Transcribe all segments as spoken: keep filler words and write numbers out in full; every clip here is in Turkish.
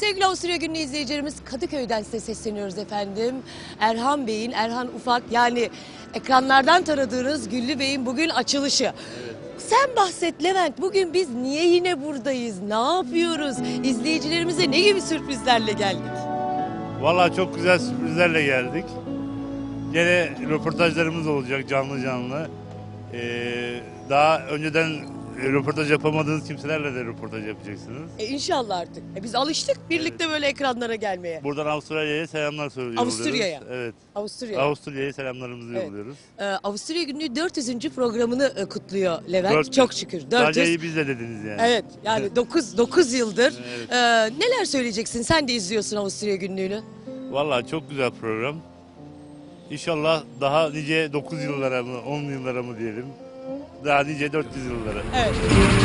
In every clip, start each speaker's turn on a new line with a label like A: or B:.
A: Sevgili Avusturya Günü izleyicilerimiz, Kadıköy'den size sesleniyoruz efendim. Erhan Bey'in, Erhan Ufak, yani ekranlardan tanıdığınız Güllü Bey'in bugün açılışı. Evet. Sen bahset Levent, bugün biz niye yine buradayız, ne yapıyoruz, izleyicilerimize ne gibi sürprizlerle geldik?
B: Vallahi çok güzel sürprizlerle geldik. Yine röportajlarımız olacak canlı canlı. Ee, daha önceden röportaj yapamadığınız kimselerle de röportaj yapacaksınız.
A: E inşallah artık. E biz alıştık birlikte evet. Böyle ekranlara gelmeye.
B: Buradan Avusturya'ya selamlar söylüyoruz.
A: Avusturya'ya.
B: Evet.
A: Avusturya'ya.
B: Avusturya'ya selamlarımızı evet. yolluyoruz.
A: Ee, Avusturya Günü dört yüzüncü programını e, kutluyor Levent.
B: dört yüz.
A: Çok şükür. dört yüz.
B: Sadece iyi biz de dediniz yani.
A: Evet. Yani dokuz dokuz yıldır.
B: Evet.
A: Ee, neler söyleyeceksin? Sen de izliyorsun Avusturya Günlüğü'nü.
B: Vallahi çok güzel program. İnşallah daha nice dokuz yıllara mı, on yıllara mı diyelim. Daha nice dört yüz yıllara.
A: Evet.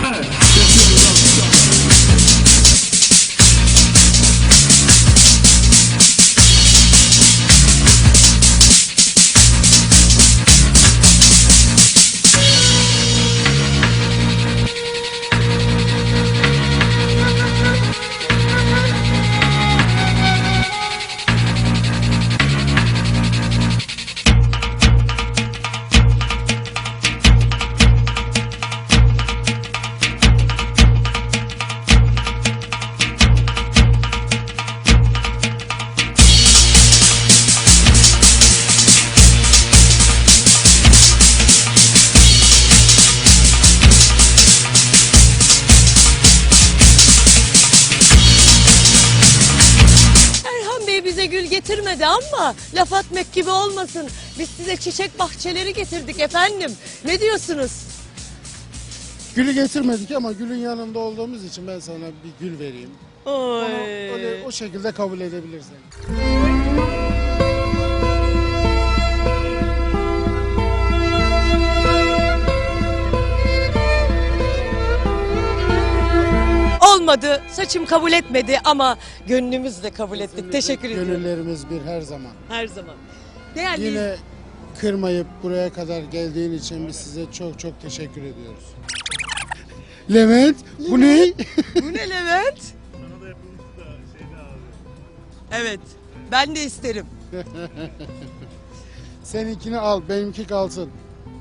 A: Bize gül getirmedi ama laf atmak gibi olmasın. Biz size çiçek bahçeleri getirdik efendim. Ne diyorsunuz?
C: Gülü getirmedik ama gülün yanında olduğumuz için ben sana bir gül vereyim.
A: Oy.
C: Onu öyle, o şekilde kabul edebilirsin.
A: Olmadı, saçım kabul etmedi ama gönlümüz de kabul ettik.
C: Kesinlikle
A: Teşekkür ediyorum.
C: Gönüllerimiz bir her zaman.
A: Her zaman. Değerli
C: Yine kırmayıp buraya kadar geldiğin için biz size çok çok teşekkür ediyoruz. Levent, bu ne?
A: Bu ne Levent?
B: Sana da yapılmış da şeyde abi.
A: Evet, ben de isterim.
C: Seninkini al, benimki kalsın.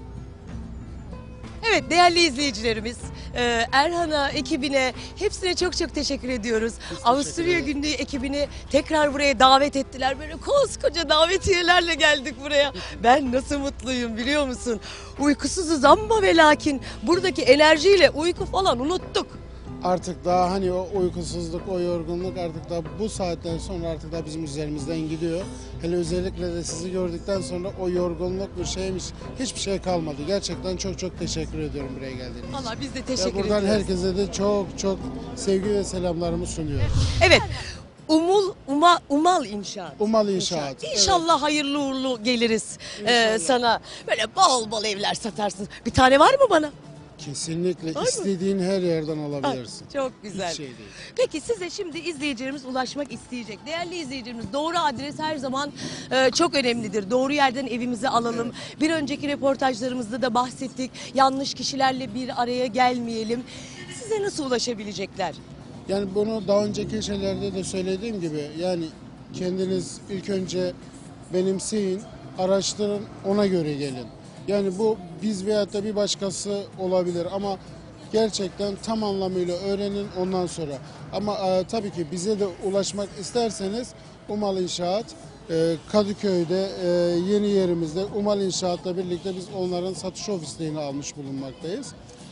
A: Evet değerli izleyicilerimiz, e, Erhan'a, ekibine hepsine çok çok teşekkür ediyoruz. Avusturya Günlüğü ekibini tekrar buraya davet ettiler. Böyle koskoca davetiyelerle geldik buraya. Ben nasıl mutluyum biliyor musun? Uykusuzuz ama ve lakin buradaki enerjiyle uyku falan unuttuk.
C: Artık daha hani o uykusuzluk, o yorgunluk artık da bu saatten sonra artık da bizim üzerimizden gidiyor. Hele özellikle de sizi gördükten sonra o yorgunluk bir şeymiş, hiçbir şey kalmadı. Gerçekten çok çok teşekkür ediyorum buraya geldiğiniz için.
A: Valla biz de
C: Ve
A: teşekkür
C: buradan
A: ediyoruz.
C: herkese de çok çok sevgi ve selamlarımı sunuyorum.
A: Evet. Umul, Uma, Umal İnşaat.
C: Umal İnşaat.
A: İnşallah hayırlı uğurlu geliriz e,
C: İnşallah.
A: sana. Böyle bol bol evler satarsın. Bir tane var mı bana?
C: Kesinlikle
A: Var mı?
C: istediğin her yerden alabilirsin.
A: Ay, çok güzel.
C: Hiç şey değil.
A: Peki size şimdi izleyicilerimiz ulaşmak isteyecek. Değerli izleyicilerimiz, doğru adres her zaman e, çok önemlidir. Doğru yerden evimizi alalım. Evet. Bir önceki röportajlarımızda da bahsettik. Yanlış kişilerle bir araya gelmeyelim. Size nasıl ulaşabilecekler?
C: Yani bunu daha önceki şeylerde de söylediğim gibi yani kendiniz ilk önce benimseyin, araştırın, ona göre gelin. Yani bu biz veyahut da bir başkası olabilir ama gerçekten tam anlamıyla öğrenin ondan sonra. Ama e, tabii ki bize de ulaşmak isterseniz Umal İnşaat e, Kadıköy'de e, yeni yerimizde Umal İnşaat'la birlikte biz onların satış ofislerini almış bulunmaktayız.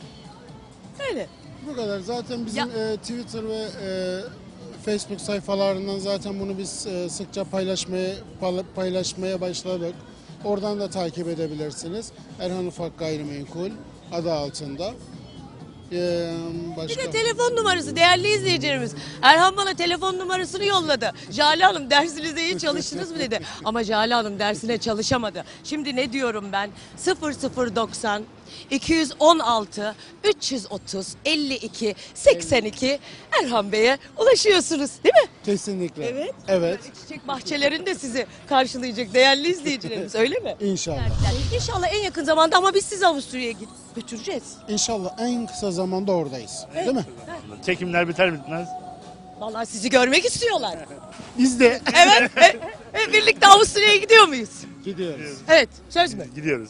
A: Öyle.
C: Bu kadar. Zaten bizim
A: Ya.
C: e, Twitter ve e, Facebook sayfalarından zaten bunu biz e, sıkça paylaşmaya paylaşmaya başladık. Oradan da takip edebilirsiniz. Erhan Ufak Gayrimenkul adı altında. Ee, başka?
A: Bir de telefon numarası değerli izleyicilerimiz. Erhan bana telefon numarasını yolladı. Jale Hanım dersinize iyi çalıştınız mı dedi. Ama Jale Hanım dersine çalışamadı. Şimdi ne diyorum ben? sıfır sıfır doksan iki yüz on altı üç yüz otuz elli iki seksen iki Erhan Bey'e ulaşıyorsunuz değil mi?
C: Kesinlikle.
A: Evet.
C: Evet.
A: Çiçek bahçelerinde sizi karşılayacak değerli izleyicilerimiz öyle mi?
C: İnşallah.
A: Yani inşallah en yakın zamanda ama biz sizi Avusturya'ya git- götüreceğiz.
C: İnşallah en kısa zamanda oradayız. Değil mi?
B: Çekimler biter bitmez
A: Vallahi sizi görmek istiyorlar.
C: Biz de
A: Evet. e- e, birlikte Avusturya'ya gidiyor muyuz?
C: gidiyoruz.
A: Evet. Söz mü?
B: Gidiyoruz.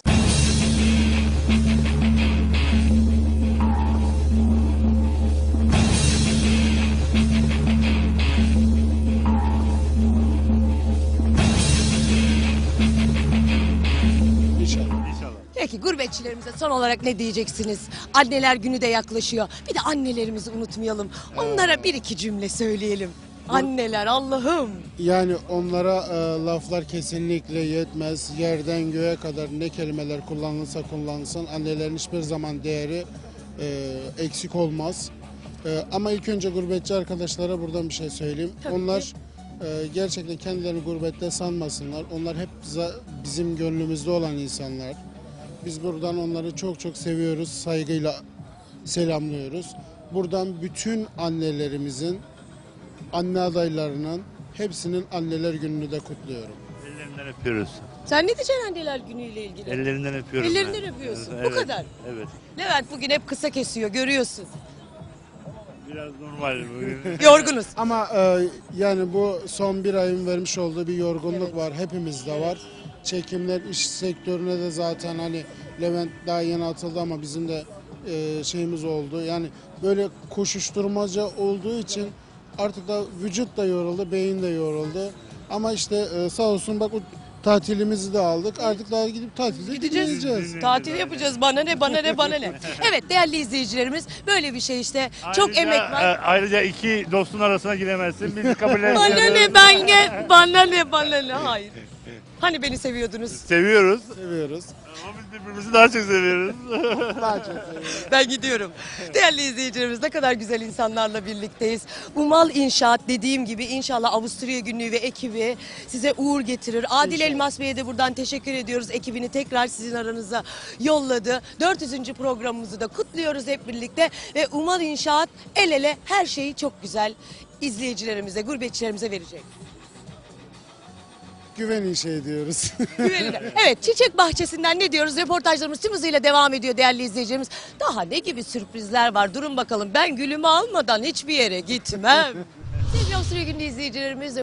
C: İnşallah.
B: İnşallah.
A: Peki gurbetçilerimize son olarak ne diyeceksiniz? Anneler günü de yaklaşıyor. Bir de annelerimizi unutmayalım. Onlara bir iki cümle söyleyelim. Anneler Allah'ım.
C: Yani onlara e, laflar kesinlikle yetmez. Yerden göğe kadar ne kelimeler kullanılsa kullanılsın annelerin hiçbir zaman değeri e, eksik olmaz. E, ama ilk önce gurbetçi arkadaşlara buradan bir şey söyleyeyim.
A: Tabii
C: Onlar
A: ki.
C: e, gerçekten kendilerini gurbette sanmasınlar. Onlar hep za- bizim gönlümüzde olan insanlar. Biz buradan onları çok çok seviyoruz, saygıyla selamlıyoruz. Buradan bütün annelerimizin, anne adaylarının hepsinin anneler gününü de kutluyorum.
B: Ellerinden öpüyoruz.
A: Sen ne diyeceksin anneler günüyle ilgili?
B: Ellerinden öpüyorum.
A: Ellerinden
B: ben.
A: öpüyorsun.
B: Evet,
A: Bu kadar.
B: Evet.
A: Levent bugün hep kısa kesiyor görüyorsun.
B: Biraz normal bugün.
A: Yorgunuz.
C: Ama e, yani bu son bir ayın vermiş olduğu bir yorgunluk
A: Evet.
C: var. Hepimizde var. Çekimler iş sektörüne de zaten hani Levent daha yeni atıldı ama bizim de e, şeyimiz oldu. Yani böyle koşuşturmaca olduğu için artık da vücut da yoruldu, beyin de yoruldu. Ama işte e, sağ olsun bak o tatilimizi de aldık. Artık daha gidip tatilde
A: Gideceğiz.
C: gideceğiz.
A: Tatil yapacağız. Bana ne, bana ne, bana ne. Evet değerli izleyicilerimiz böyle bir şey işte. Çok
B: Ayrıca,
A: emek var.
B: e, Ayrıca iki dostun arasına giremezsin. Biz kabul etmiyoruz.
A: Bana ne ben gel. Bana ne, bana ne. Hayır. Hani beni seviyordunuz?
B: Seviyoruz.
C: Seviyoruz.
B: Ama biz birbirimizi daha çok seviyoruz.
C: Daha çok seviyoruz.
A: Ben gidiyorum. Değerli izleyicilerimiz ne kadar güzel insanlarla birlikteyiz. Umal İnşaat dediğim gibi inşallah Avusturya Günlüğü ve ekibi size uğur getirir. Adil
C: İnşallah.
A: Elmas Bey'e de buradan teşekkür ediyoruz. Ekibini tekrar sizin aranıza yolladı. dört yüzüncü programımızı da kutluyoruz hep birlikte. Ve Umal İnşaat el ele her şeyi çok güzel izleyicilerimize, gurbetçilerimize verecek.
C: Güven şey diyoruz.
A: Güvenilir. Evet Çiçek Bahçesi'nden ne diyoruz? Reportajlarımız tüm hızıyla devam ediyor değerli izleyicilerimiz. Daha ne gibi sürprizler var? Durun bakalım ben gülümü almadan hiçbir yere gitmem. Sevgili Avusturya Günlüğü izleyicilerimiz